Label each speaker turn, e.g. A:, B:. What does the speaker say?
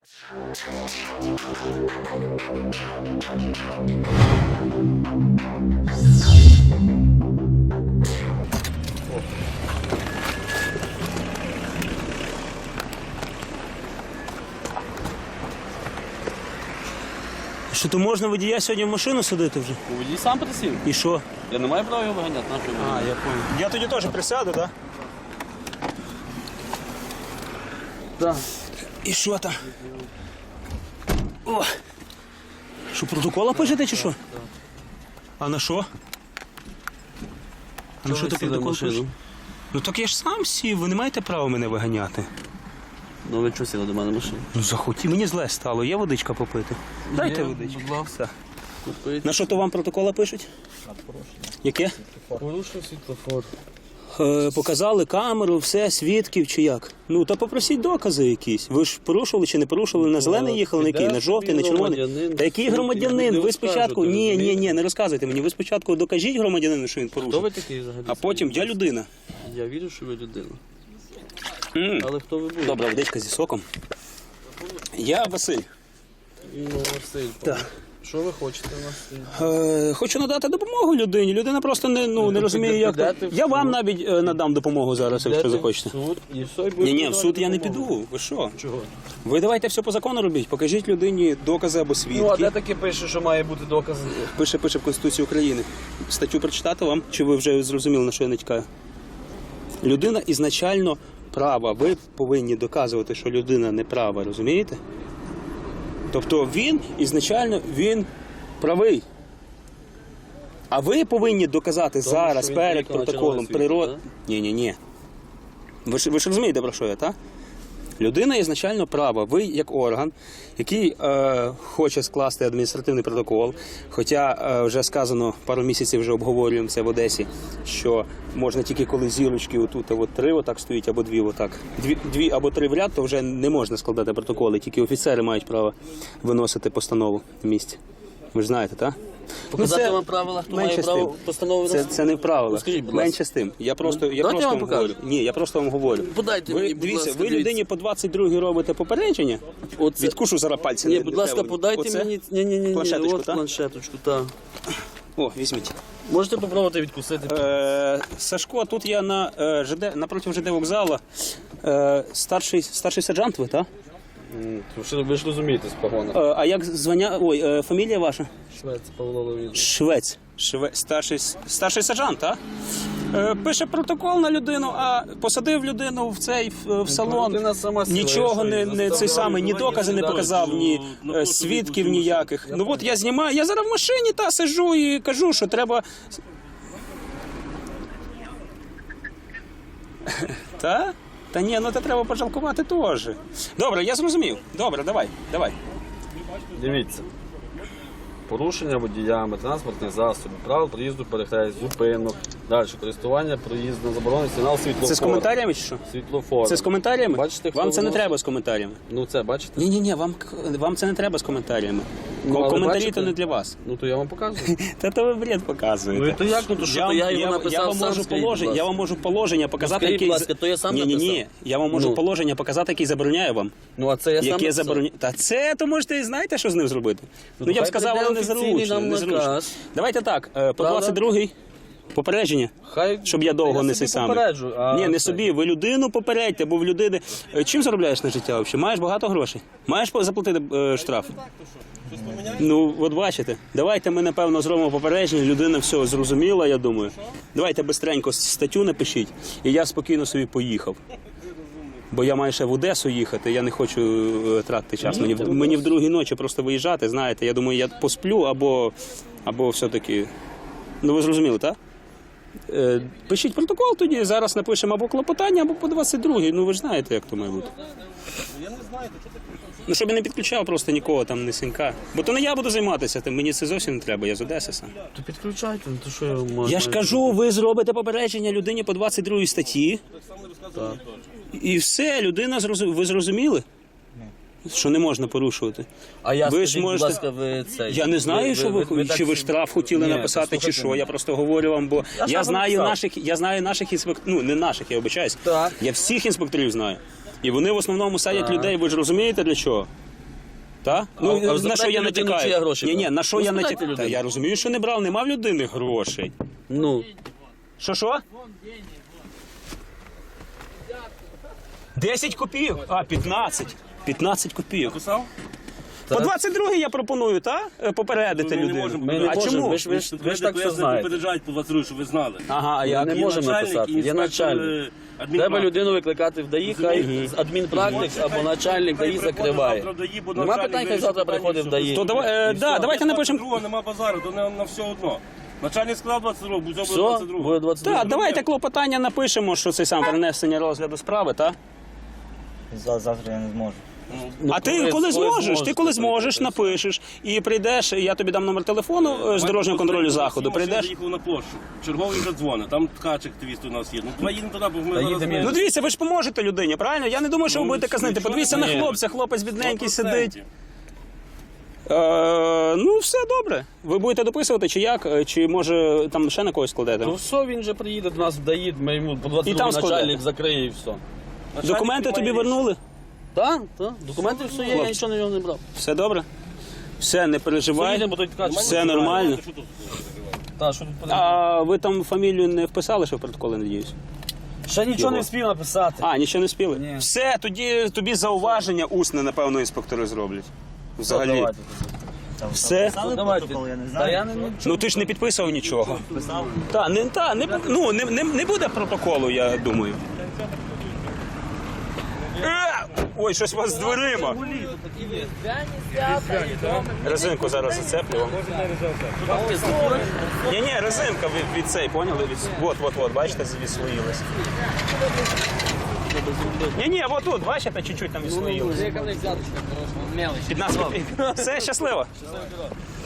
A: Що, то можна водія сьогодні в машину садити вже?
B: Водій сам присів.
A: І що?
B: Я не маю права його виганяти.
A: Я понял. Я тоді теж присяду, так?
B: Так.
A: І що там? О! Що, протокола пишете чи що? А на що? А на що ти протокол пишеш? Ну так я ж сам сів, ви не маєте права мене виганяти.
B: Ну ви чого сіли до мене в машину?
A: Ну захотів, мені зле стало, є водичка попити. Дайте водичку.
B: Будь ласка. Купити.
A: На що то вам протокола пишуть? Яке?
B: Порушив світлофор.
A: Показали камеру, все, свідків чи як? Ну, та попросіть докази якісь. Ви ж порушували чи не порушували, на зелений їхали, на який, на жовтий, на червоний. Та який громадянин? Ви спочатку, ні, не розказуйте мені. Ви спочатку докажіть громадянину, що він порушив.
B: Хто ви такий взагалі?
A: А потім я людина.
B: Я вірю, що ви людина. Але хто ви будете?
A: Добра водичка зі соком. Я Василь.
B: Ну, Василь.
A: Так.
B: Що ви хочете у нас?
A: Хочу надати допомогу людині. Людина просто не розуміє, як. Я вам навіть надам допомогу зараз, якщо захочете.
B: Суд і все, і будете
A: Ні, в суд я не
B: допомогу.
A: піду. Ви що?
B: Чого?
A: Ви давайте все по закону робіть. Покажіть людині докази або свідки.
B: Ну, а де таке пише, що має бути доказ?
A: Пише в Конституції України. Статтю прочитати вам, чи ви вже зрозуміли, на що я натякаю? Людина ізначально права. Ви повинні доказувати, що людина не права, розумієте? Тобто він ізначально правий. А ви повинні доказати зараз
B: що він
A: перед
B: приїхав на
A: протоколом
B: червоне світло,
A: природ. Ні. Ви ж розумієте, про що я, так? Людина ізначально права. Ви як орган, який хоче скласти адміністративний протокол, хоча вже сказано, пару місяців вже обговорюємо це в Одесі, що можна тільки коли зірочки отут, от три отак стоїть, або дві отак. Дві або три в ряд, то вже не можна складати протоколи, тільки офіцери мають право виносити постанову в місті. Ви ж знаєте, так?
B: Показати вам правила, хто має право постанову виносити?
A: Це не в правилах.
B: Скажіть, будь ласка.
A: Менше з тим. Я просто
B: вам
A: вам
B: покажу.
A: говорю. Ні, я просто вам говорю.
B: Подайте
A: Ви,
B: мені, будь
A: дивіться,
B: ласка,
A: ви людині по 22-й робите попередження.
B: Оце.
A: Відкушу зараз пальці.
B: Ні,
A: не
B: будь ласка,
A: треба.
B: подайте
A: Оце?
B: мені. Ні,
A: Планшеточку,
B: от
A: так?
B: планшеточку, так.
A: О, візьміть.
B: Можете попробувати відкусити?
A: Сашко, тут я на напроти ЖД вокзалу. Старший сержант ви, так?
B: Ви ж розумієте з погона.
A: А як звання? Ой, фамілія ваша?
B: Швець Павло Леонідович.
A: Швець. Старший сержант, так? Пише протокол на людину, а посадив людину в салон.
B: Людина сама сіла,
A: Нічого
B: я що,
A: не цей самий, ні докази не показав, ні свідків ніяких. Ну от я знімаю, я зараз в машині сиджу і кажу, що треба. Та? Та ні, ну це треба пожалкувати теж. Добре, я зрозумів. Добре, давай.
B: Дивіться. Порушення водіями транспортних засобів, правил проїзду, перехрест, зупинок, далі користування проїздом, заборонений сигнал світлофор.
A: Це з коментарями чи що?
B: Світлофор.
A: Це з коментарями?
B: Бачите,
A: вам
B: хто
A: це не
B: воно?
A: треба з коментарями.
B: Ну це бачите?
A: Ні, вам це не треба з коментарями.
B: Ну, але
A: Коментарі
B: бачите?
A: то не для вас.
B: Ну то я вам показую.
A: Та то ви бред показуєте.
B: Ну і то як? Ну то що, то я його написав
A: вам
B: сам,
A: можу
B: скажіть, будь ласка.
A: я вам можу положення показати,
B: скажіть,
A: який...
B: будь ласка, то я сам
A: Ні,
B: написав.
A: я вам можу
B: Ну.
A: положення показати, який забороняє вам.
B: Ну а це я сам
A: Яке
B: написав.
A: забороняє... Та це, то можете і знаєте, що з ним зробити. Ну я б
B: хай
A: сказав,
B: прийде
A: але
B: офіційний
A: незручно.
B: нам наказ.
A: Давайте так, по
B: Правда?
A: 22-й попередження.
B: Хай...
A: Щоб я довго не
B: собі
A: цей самий.
B: попереджу, а
A: Ні, не
B: це-
A: собі. Ви людину попередьте, бо в людини... Чим заробляєш на життя взагалі? Маєш багато грошей? Маєш заплатити штраф? Ну, от бачите. Давайте ми, напевно, зробимо попередження. Людина все зрозуміла, я думаю. Давайте бистренько статтю напишіть, і я спокійно собі поїхав. Бо я маю ще в Одесу їхати, я не хочу тратити час. Мені в другій ночі просто виїжджати, знаєте. Я думаю, я посплю або все-таки... Ну, ви зрозуміли, так? Пишіть протокол тоді, зараз напишемо або клопотання, або по 22-й. Ну, ви ж знаєте, як то має бути. Ну, щоб я не підключав просто нікого там, не синька. Бо то не я буду займатися, тим мені це зовсім не треба, я з Одеси сам.
B: То підключайте, ну то що я можу.
A: Я ж кажу, ви зробите попередження людині по 22 статті.
B: Так.
A: І все, людина ви зрозуміли? Що не можна порушувати.
B: А я,
A: Ви ж
B: скажіть,
A: можете-
B: будь ласка, ви це...
A: Я не знаю, чи ви штраф хотіли
B: Ні,
A: написати, чи
B: послухайте
A: що.
B: мене.
A: Я просто говорю вам, бо
B: Я
A: я
B: ж
A: знаю
B: написав.
A: наших інспекторів, ну не наших, я вибачаюсь.
B: Так.
A: Я всіх інспекторів знаю. І вони в основному садять людей, ви ж розумієте для чого? Так?
B: а ви
A: Ну, на
B: запитайте
A: що я
B: людину, чи є
A: натякаю?
B: гроші
A: Ні,
B: брав?
A: на що
B: Ну,
A: я
B: спитайте
A: натякаю? Та
B: людину.
A: я розумію, що не брав, нема в людини грошей.
B: Ну,
A: Що? 10 копійок? А, 15. 15 копійок.
C: Написав?
A: По 22 я пропоную, так? Попередити
C: Ми не
A: людину.
C: можемо
B: ми не
A: А
B: можемо,
A: чому?
B: ви ж так все знаєте.
C: Попереджають по 22, щоб ви знали.
A: Ага, а
B: Я
A: як?
B: не
C: Є
B: можемо
C: начальник
B: написати,
C: і
B: є
C: інспектор,
B: начальник.
C: адмінпрактик.
B: Треба людину викликати в ДАІ, хай адмінпрактик або начальник ДАІ закриває. Нема питань, хай завтра приходить в ДАІ.
A: То давайте напишемо.
C: Другого нема базару, то на все одно. Начальник сказав 22, буде
B: Все,
C: 22.
B: буде 22.
A: Так, давайте клопотання напишемо, що це саме перенесення розгляду справи, так?
D: Завтра я не зможу.
B: Ну,
A: А ти коли зможеш? Ти коли зможеш, напишеш і прийдеш. Я тобі дам номер телефону з дорожнього контролю заходу.
C: Я
A: Прийдеш.
C: заїхав на площу. Черговий задзвонить. Там ткач активіст у нас є. Ну, давай їдемо туди, бо ми зараз...
B: їдемо,
C: не-
A: Ну дивіться, ви ж поможете людині, правильно? Я не думаю, що ви будете казнити.
C: нічого
A: Подивіться
C: не
A: на
B: буде.
A: хлопця, хлопець бідненький
C: 100%.
A: сидить. Ну, все добре. Ви будете дописувати, чи як? Чи може там ще на когось складете?
B: Ну все, він же приїде до нас в ДАІ, ми йому по
A: І
B: 22
A: там складе.
B: начальник закриє і все.
C: Начальник
A: Документи тобі
C: приймає
A: вернули?
B: Так, так, документи все є, я
A: Хлопці.
B: нічого на нього не брав.
A: Все добре? Все, не переживай.
B: Поїдемо, бо той ткач.
A: Все нормально.
C: Що тут?
B: Так, що тут подивимося?
A: А ви там фамілію не вписали, що в протоколи, надіюсь?
B: Ще нічого не встиг написати.
A: А, нічого не спіли?
B: Ні.
A: Все, тоді тобі зауваження усне, напевно, інспектори зроблять. Взагалі.
B: Давайте.
A: Все.
D: Писали
B: Давайте.
D: протокол, я не
B: Та
D: знаю.
B: я не
A: Ну ти ж не підписував нічого.
D: Писав.
A: Не буде протоколу, я думаю. Ой, щось у вас з дверима. Резинку зараз зацеплю вам. Ні, резинка від цей, поняли? От, бачите, відслоїлась. Ні, от тут, бачите, чуть-чуть там відслоїлось. 15 копійок. Все, щасливо.